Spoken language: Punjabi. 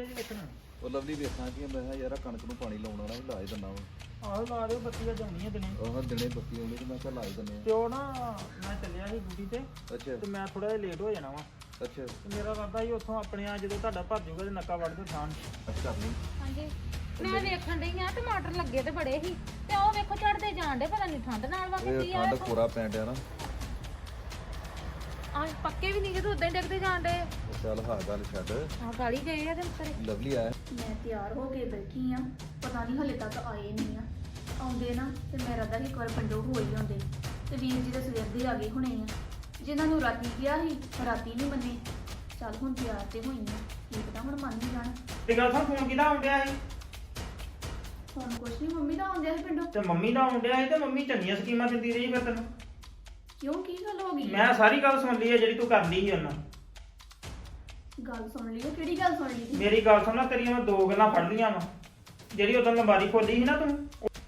ਜੀ ਵੇਖਣਾ ਉਹ ਲਵਲੀ ਵੇਖਾਂ ਕਿ ਮੈਂ ਕਿਹਾ ਯਾਰ ਕਣਕ ਨੂੰ ਪਾਣੀ ਲਾਉਣ ਵਾਲਾ ਹੀ ਲਾ ਹੀ ਦਿੰਦਾ ਵਾ ਆਹੋ ਲਾ ਦਿਓ ਬੱਤੀ ਅੱਜ ਆਉਣੀ ਹੈ ਦਿਨੇ ਉਹ ਦਿਨੇ ਬੱਤੀ ਆਉਂਦੀ ਤੇ ਮੈਂ ਕਿਹਾ ਲਾ ਹੀ ਦਿੰਦੇ ਤੇ ਉਹ ਨਾ ਮੈਂ ਚੱਲਿਆ ਸੀ ਡਿਊਟੀ ਤੇ ਅੱਛਾ ਤੇ ਮੈਂ ਥੋੜਾ ਜਿਹਾ ਲੇਟ ਹੋ ਜਾਣਾ ਵਾ ਅੱਛਾ ਤੇ ਮੇਰਾ ਇਰਾਦਾ ਸੀ ਉੱਥੋਂ ਆਪਣੇ ਆ ਜਦੋਂ ਤੁਹਾਡਾ ਭਰ ਜਾਊਗਾ ਤੇ ਨੱਕਾ ਵੱਢ ਦਿਓ ਥਾਂ ਅੱਛਾ ਕਰ ਲਈ ਹਾਂਜੀ ਮੈਂ ਵੇਖਣ ਡਈ ਆ ਟਮਾਟਰ ਲੱਗੇ ਤੇ ਬੜੇ ਸੀ ਤੇ ਉਹ ਵੇਖੋ ਚੜਦੇ ਜਾਣ ਡੇ ਪਤਾ ਨਹੀਂ ਠੰਡ ਨਾਲ ਵਾ ਇਹ ਕੀ ਆ ਠੰਡ ਪੂਰਾ ਪੈਣ ਡਿਆ ਨਾ ਆ ਪੱਕੇ ਵੀ ਨਹੀਂ ਕਿ ਉਦਾਂ ਹੀ ਡਿੱਗਦੇ ਜਾਣ ਡੇ ਉਹ ਚੱਲ ਹਾਂ ਗੱਲ ਛੱਡ ਆ ਗਾਲੀ ਗਏ ਆ ਤੇ ਉੱਤਰੇ ਲਵਲੀ ਆਇਆ ਮੈਂ ਤਿਆਰ ਹੋ ਕੇ ਬੈਠੀ ਆ ਪਤਾ ਨਹੀਂ ਹਲੇ ਤੱਕ ਆਏ ਨਹੀਂ ਆ ਆਉਂਦੇ ਨਾ ਤੇ ਮੇਰਾ ਤਾਂ ਇੱਕ ਵਾਰ ਪਿੰਡੋਂ ਹੋ ਹੀ ਆਉਂਦੇ ਤੇ ਵੀਰ ਜੀ ਦੇ ਸਵੇਰ ਦੇ ਆ ਗਏ ਹੁਣੇ ਆ ਜਿਨ੍ਹਾਂ ਨੂੰ ਰਾਤੀ ਕਿਹਾ ਸੀ ਰਾਤੀ ਨਹੀਂ ਮੰਨੇ ਚੱਲ ਹੁਣ ਤਿਆਰ ਤੇ ਹੋਈ ਆ ਕੀ ਪਤਾ ਹੁਣ ਮੰਨ ਹੀ ਜਾਣ ਤੇ ਗੱਲ ਸੁਣ ਫੋਨ ਕਿਹਦਾ ਆਉਂਦਿਆ ਸੀ ਹੁਣ ਕੁਛ ਨਹੀਂ ਮੰਮੀ ਦਾ ਆਉਂਦਿਆ ਸੀ ਪਿੰਡੋਂ ਤੇ ਮੰਮੀ ਦਾ ਆਉਂਦਿਆ ਸੀ ਤੇ ਮੰਮੀ ਚੰਗੀਆਂ ਸਕੀਮਾਂ ਦਿੰਦੀ ਰਹੀ ਫਿਰ ਤੈਨੂੰ ਕਿਉਂ ਕੀ ਗੱਲ ਹੋ ਗਈ ਮੈਂ ਸਾਰੀ ਗੱਲ ਸੁਣ ਲਈ ਹੈ ਜਿਹੜੀ ਤੂੰ ਕਰਦੀ ਸੀ ਉਹਨਾਂ ਗੱਲ ਸੁਣ ਲਈ ਕਿਹੜੀ ਗੱਲ ਸੁਣ ਲਈ ਮੇਰੀ ਗੱਲ ਸੁਣ ਲੈ ਤੇਰੀਆਂ ਮੈਂ ਦੋ ਗੱਲਾਂ ਫੜ ਲੀਆਂ ਵਾ ਜਿਹੜੀ ਉਦੋਂ ਲੰਬਾਰੀ ਖੋਲੀ ਸੀ ਨਾ ਤੂੰ